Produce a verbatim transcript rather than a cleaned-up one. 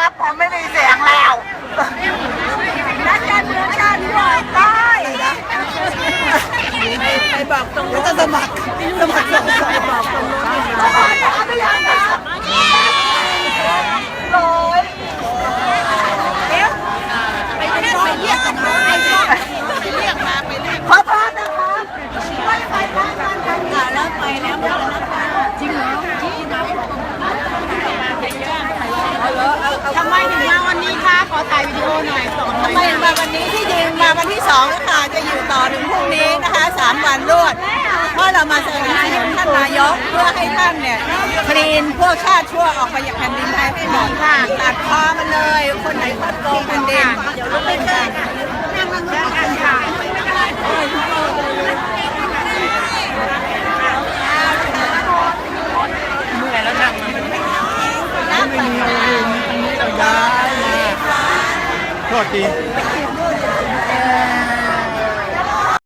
ครับผมไม่มีเสียงแล้วนักการเมืองชาติที่ออกได้ไปบอกตรงนู้นจะสมัครสมัครสองไปบอกตรงนู้นสมัครไปยังนะร้อยเดี๋ยวไปเรียกไปเรียกกันมาไปเรียกมาไปเรียกขอโทษนะคะไม่ไปทางการกันค่ะแล้วไปแล้วแล้วนะคะจริงเหรอทำไมถึงมาวันนี้คะขอถ่ายวิดีโอหน่อยสอนทำไมถึงมาวันนี้ที่จริงมาวันที่สองค่ะจะอยู่ต่อถึงพรุ่งนี้นะคะสามวันรวดเพราะเรามาสนับสนุนท่านนายกเพื่อให้ท่านเนี่ยคลีนพวกชาติชั่วออกไปจากแผ่นดินไทยให้หมดค่ะตัดคอมันเลยคนไหนคดโกงแผ่นดินเดี๋ยวลุกไม่ได้นั่งนั่งนั่งกันค่ะเมื่อยแล้วนั่งไม่มีอะไรตรงนี้เราย้ายมาโทษที